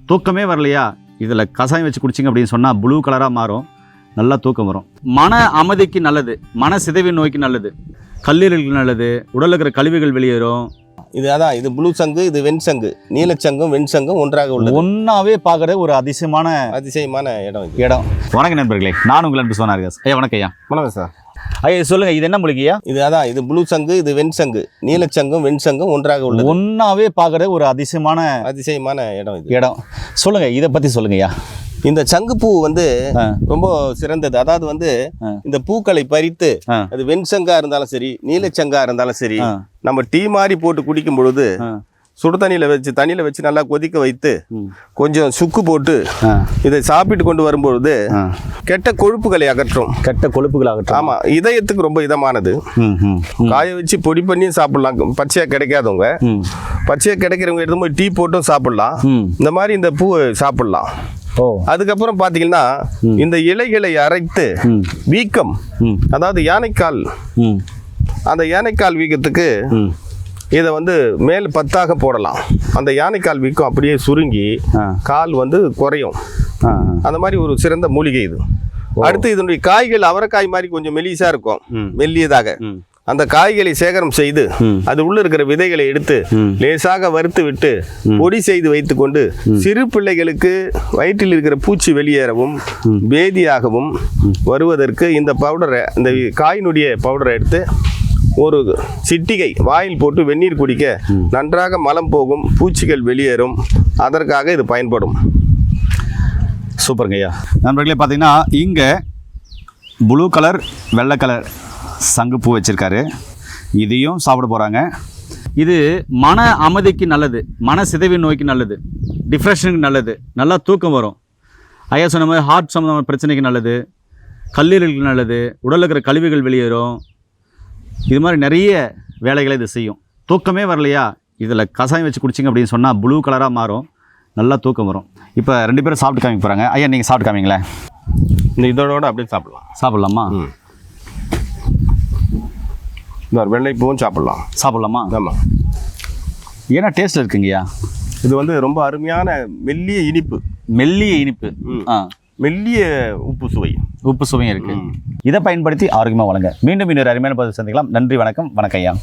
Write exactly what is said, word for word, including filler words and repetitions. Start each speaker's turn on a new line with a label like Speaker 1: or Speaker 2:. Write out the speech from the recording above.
Speaker 1: தூக்கமே வரலையா, இதில் கசாயம் வச்சு குடிச்சிங்க அப்படின்னு சொன்னால் ப்ளூ கலராக மாறும், நல்லா தூக்கம் வரும். மன அமைதிக்கு நல்லது, மன சிதைவு நோய்க்கு நல்லது, கல்லீரலுக்கு நல்லது, உடலில் இருக்கிற கழிவுகள் வெளியேறும்.
Speaker 2: இது அதான் இது ப்ளூ சங்கு, இது வெண்சங்கு, நீலச்சங்கும் வெண்சங்கும் ஒன்றாக உள்ளது.
Speaker 1: ஒன்றாவே பார்க்குற ஒரு அதிசயமான
Speaker 2: அதிசயமான இடம் இது.
Speaker 1: இடம். வணக்கம் நண்பர்களே, நான் உங்கள் அன்பு சொன்னார் ஐயா. வணக்கம் ஐயா.
Speaker 2: வணக்கம் சார்.
Speaker 1: ஐயா சொல்லுங்க, இது என்ன மூலிகையா?
Speaker 2: இது அதான் இது ப்ளூ சங்கு, இது வெண்சங்கு, நீலச்சங்கும் வெண்சங்கும் ஒன்றாக உள்ளது.
Speaker 1: ஒன்றாவே பார்க்குற ஒரு அதிசயமான
Speaker 2: அதிசயமான இடம் இது.
Speaker 1: இடம். சொல்லுங்க, இதை பற்றி சொல்லுங்க ஐயா.
Speaker 2: இந்த சங்குப்பூ வந்து ரொம்ப சிறந்தது. அதாவது வந்து இந்த பூக்களை பறித்து அது வெண்சங்கா இருந்தாலும் சரி, நீலச்சங்கா இருந்தாலும் சரி, நம்ம டீ மாதிரி போட்டு குடிக்கும் பொழுது சுடு தண்ணியில் வச்சு தண்ணியில் வச்சு நல்லா கொதிக்க வைத்து கொஞ்சம் சுக்கு போட்டு இதை சாப்பிட்டு கொண்டு வரும்பொழுது கெட்ட கொழுப்புகளை அகற்றும்.
Speaker 1: கெட்ட கொழுப்புகளை அகற்றும்.
Speaker 2: ஆமாம், இதயத்துக்கு ரொம்ப இதமானது. காய வச்சு பொடி பண்ணியும் சாப்பிடலாம். பச்சையாக கிடைக்காதவங்க, பச்சையாக கிடைக்கிறவங்க எடுத்து போய் டீ போட்டும் சாப்பிடலாம். இந்த மாதிரி இந்த பூவை சாப்பிடலாம். அதுக்கப்புறம் பார்த்தீங்கன்னா இந்த இலைகளை அரைத்து வீக்கம், அதாவது யானைக்கால், அந்த யானைக்கால் வீக்கத்துக்கு இதை வந்து மேல் பத்தாக போடலாம். அந்த யானைக்கால் வீக்கம் அப்படியே சுருங்கி கால் வந்து குறையும். அந்த மாதிரி ஒரு சிறந்த மூலிகை இது. அடுத்து இதனுடைய காய்கள் அவரைக்காய் மாதிரி கொஞ்சம் மெலிசா இருக்கும், மெல்லியதாக. அந்த காய்களை சேகரம் செய்து அது உள்ள இருக்கிற விதைகளை எடுத்து லேசாக வறுத்து விட்டு பொடி செய்து வைத்து கொண்டு சிறு பிள்ளைகளுக்கு வயிற்றில் இருக்கிற பூச்சி வெளியேறவும் பேதியாகவும் வருவதற்கு இந்த பவுடரை, இந்த காயினுடைய பவுடரை எடுத்து ஒரு சிட்டிகை வாயில் போட்டு வெந்நீர் குடிக்க நன்றாக மலம் போகும், பூச்சிகள் வெளியேறும். அதற்காக இது பயன்படும்.
Speaker 1: சூப்பருங்க ஐயா. நண்பர்களே, பார்த்தீங்கன்னா இங்கே ப்ளூ கலர் வெள்ளை கலர் சங்குப்பூ வச்சுருக்காரு. இதையும் சாப்பிட போகிறாங்க. இது மன அமைதிக்கு நல்லது, மன சிதைவு நோய்க்கு நல்லது, டிப்ரெஷனுக்கு நல்லது, நல்லா தூக்கம் வரும். ஐயா சொன்ன மாதிரி ஹார்ட் சம்மந்தமான பிரச்சனைக்கு நல்லது, கல்லீரலுக்கு நல்லது, உடலில் இருக்கிற கழிவுகள் வெளியேறும். இது மாதிரி நிறைய வேலைகளை இது செய்யும். தூக்கமே வரலையா, இதில் கசாயம் வச்சு குடிச்சிங்க அப்படின்னு சொன்னால் ப்ளூ கலராக மாறும், நல்லா தூக்கம் வரும். இப்போ ரெண்டு பேரும் சாப்பிட்டு காமிக்க போகிறாங்க. ஐயா நீங்கள் சாப்பிட்டு காமிங்களேன்.
Speaker 2: இந்த இதோட அப்படியே சாப்பிடலாம்.
Speaker 1: சாப்பிட்லாமா?
Speaker 2: இந்த வெள்ளைப்பூவும் சாப்பிடலாம்.
Speaker 1: சாப்பிட்லாமா?
Speaker 2: ஆமாம்.
Speaker 1: ஏன்னா டேஸ்ட் இருக்குங்கய்யா.
Speaker 2: இது வந்து ரொம்ப அருமையான மெல்லிய இனிப்பு.
Speaker 1: மெல்லிய இனிப்பு. ஆ,
Speaker 2: மெல்லிய உப்பு சுவை,
Speaker 1: உப்பு சுவையும் இருக்குது. இதை பயன்படுத்தி ஆரோக்கியமாக வளங்க. மீண்டும் இன்னொரு அருமையான பதிவு சந்திக்கலாம். நன்றி, வணக்கம். வணக்கம் ஐயா.